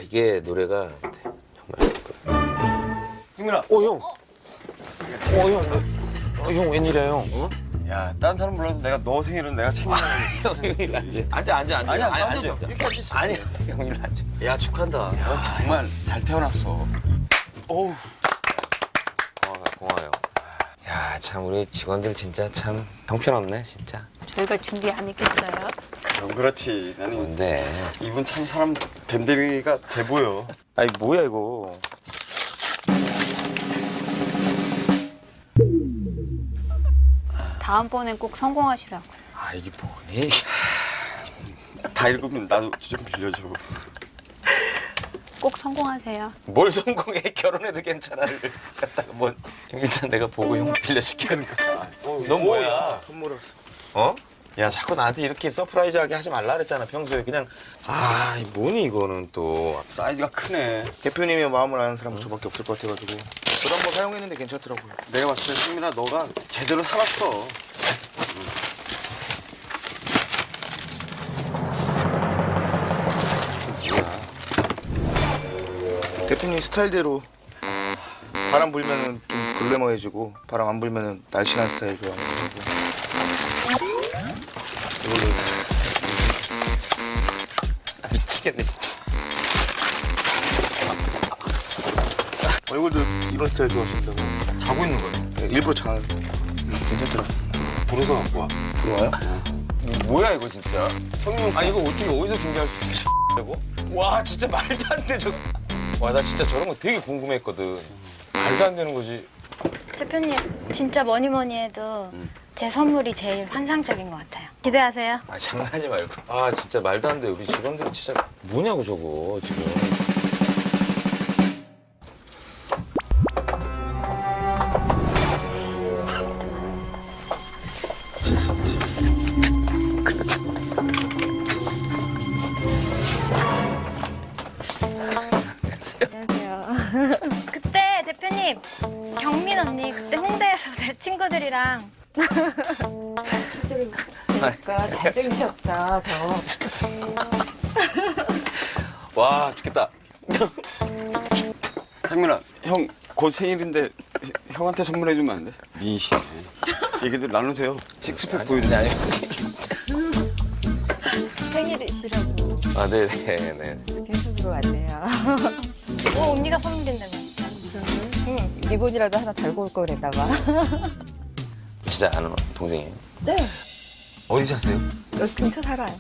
이게 노래가 정말. 승민아. 형. 형 웬일이야 형? 어? 야, 딴 사람 불러도 내가 너 생일은 내가 챙겨야 형 일로 앉아. 앉아. 아니야, 앉아. 이렇게 앉아. 아니 형 일로 앉아. 야, 축하한다. 넌 정말 잘 태어났어. 어우. 고마워요. 야, 참 우리 직원들 진짜 참 형편없네 진짜. 저희가 준비 안 했겠어요? 그럼 그렇지. 나는 뭔데? 이분 참 사람 댐댐이가 돼 보여. 아니 뭐야 이거? 다음번엔 꼭 성공하시라고요. 아 이게 뭐니? 다 읽으면 나도 좀 빌려줘. 꼭 성공하세요. 뭘 성공해? 결혼해도 괜찮아를 갖다가 뭐 일단 내가 보고 형 빌려줄게. 넌 뭐야? 선물했어. 어? 야 자꾸 나한테 이렇게 서프라이즈하게 하지 말라 그랬잖아 평소에 그냥. 뭐니 이거는 또. 사이즈가 크네. 대표님의 마음을 아는 사람은 저밖에 없을 것 같아가지고 저도 한번 사용했는데 괜찮더라고요. 내가 봤을 때 승민아 너가 제대로 살았어. 대표님 스타일대로 바람 불면은 좀 글래머해지고 바람 안 불면은 날씬한 스타일 좋아하는 거고. 미치겠네 진짜. 얼굴도 이런 스타일 좋아하신다고. 자고 있는 거야. 네, 일부러 자. 괜찮더라고요. 부르서 갖고 와. 들어와요? 뭐야 이거 진짜? 형님 이거 어떻게 어디서 준비할 수 있어? 이거? 와 진짜 말도 안 돼 저거. 와 나 진짜 저런 거 되게 궁금했거든. 말도 안 되는 거지. 대표님, 진짜 뭐니 뭐니 해도 제 선물이 제일 환상적인 것 같아요. 기대하세요. 장난하지 말고. 진짜 말도 안 돼. 우리 직원들이 진짜 뭐냐고 저거 지금. 안녕하세요. 그때 대표님, 경민 언니 그때 홍대에서 내 친구들이랑 그러니까 잘생기셨다 더. 와 죽겠다. 상민아, 형 곧 생일인데 형한테 선물해주면 안 돼? 미인이시네. 얘기들 나누세요. 식스팩 보여드려. 아니. 생일이시라고 네네네. 빈속으로 왔네요. 언니가 선물인다며. 응. 리본이라도 하나 달고 올 걸 그랬다가. 진짜 아는 동생이에요. 네. 어디 사세요? 여기 근처 살아요.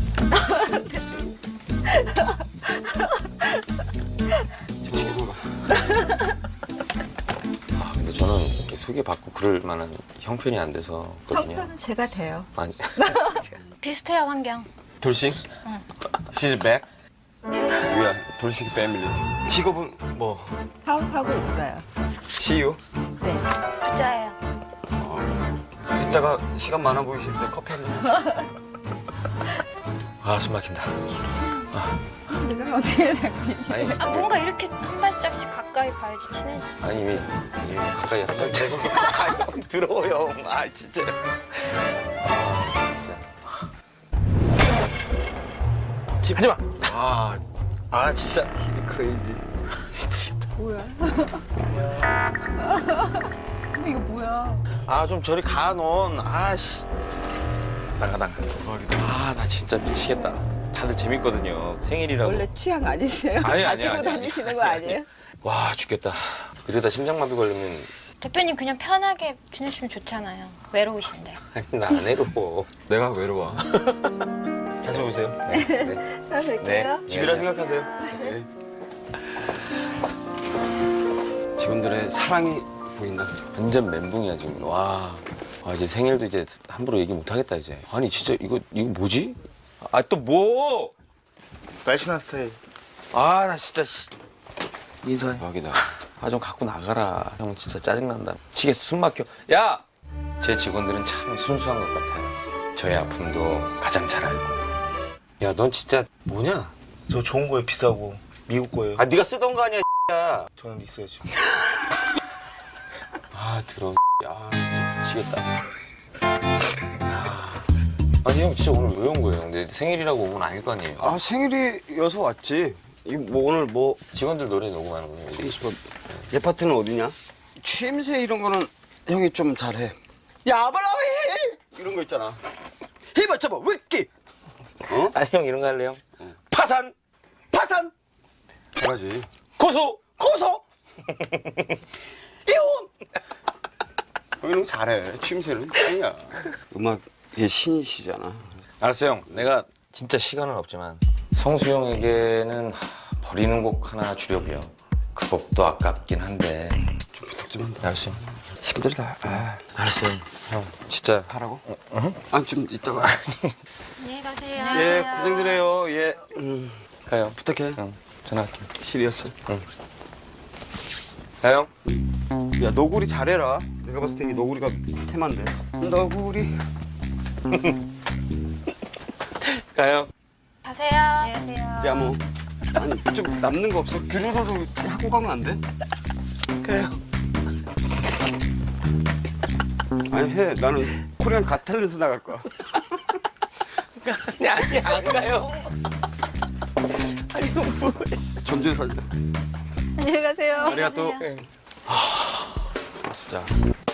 근데 저는 이렇게 소개받고 그럴 만한 형편이 안 돼서 그렇거든요. 형편은 제가 돼요. 아니. 비슷해요, 환경. 돌싱? She's back? 뭐야, 돌싱 패밀리. 직업은 뭐? 사업하고 있어요. CEO? 네. 부자예요. 이따가 시간 많아 보이실 때 커피 한잔 하시죠. 숨 막힌다. 내가 어떻게 자꾸 아니, 뭔가 이렇게 한 발짝씩 가까이 봐야지 친해지지. 아니 이미 가까이 한발 대고. 형 들어오 형. 진짜. 진짜. 하지 마. 진짜. He's crazy. 미치겠다. 뭐야? 그럼 이거 뭐야? 좀 저리 가 넌. 씨. 나가. 나 진짜 미치겠다. 다들 재밌거든요. 생일이라고. 원래 취향 아니세요? 아니, 가지고 아니. 다니시는 거 아니에요? 와 죽겠다. 이러다 심장마비 걸리면. 대표님 그냥 편하게 지내시면 좋잖아요. 외로우신데. 아니 나 안 해로워. 내가 외로워. 자주 오세요. 네. 다 될게요. 집이라 생각하세요. 네. 직원들의 사랑이 보인다. 완전 멘붕이야 지금. 와 이제 생일도 이제 함부로 얘기 못 하겠다 이제. 아니 진짜 이거 뭐지? 또 뭐? 날씬한 스타일. 나 진짜 인사해. 대박이다. 좀 갖고 나가라. 형 진짜 짜증난다. 미치겠어. 숨 막혀. 야! 제 직원들은 참 순수한 것 같아요. 저의 아픔도 가장 잘 알고. 야, 넌 진짜 뭐냐? 저 좋은 거예요, 비싸고. 미국 거예요. 네가 쓰던 거 아니야, 야. 저는 있어요 지금. 들어. 진짜 미치겠다. 아니 형 진짜 오늘 왜 온 거예요? 내 생일이라고 온 건 아닐 거 아니에요? 생일이어서 왔지. 이거 뭐 오늘 뭐 직원들 노래 녹음하는 거예요. 여기. 얘 파트는 어디냐? 취임새 이런 거는 형이 좀 잘해. 야바라위 이런 거 있잖아. 힘을 잡아 위키. 어? 아, 형 이런 거 할래요? 파산! 파산. 잘하지. 고소! 고소. 이혼. 형 이런 거 잘해. 취임새는 짱이야. 음악의 신이시잖아. 알았어, 형. 내가 진짜 시간은 없지만 성수 형에게는 버리는 곡 하나 주려고요. 그 곡도 아깝긴 한데. 좀 부탁 좀 한다. 알았어. 힘들다. 아, 알았어요. 형, 진짜. 가라고? 아, 좀 이따가. 안녕히 가세요. 예, 고생들 해요. 예. 가요. 부탁해. 형, 전화할게. 시리어스. 가요. 야, 너구리 잘해라. 내가 봤을 때 이 너구리가 테마인데. 너구리. 가요. 가세요. 안녕하세요. 야, 뭐. 아니, 좀 남는 거 없어? 규루루로 하고 가면 안 돼? 가요. 아니, 해. 나는 코리안 갓탤런트 나갈 거야. 아니, 안 가요. 전재 살려. 안녕히 가세요. 아리가또. 진짜.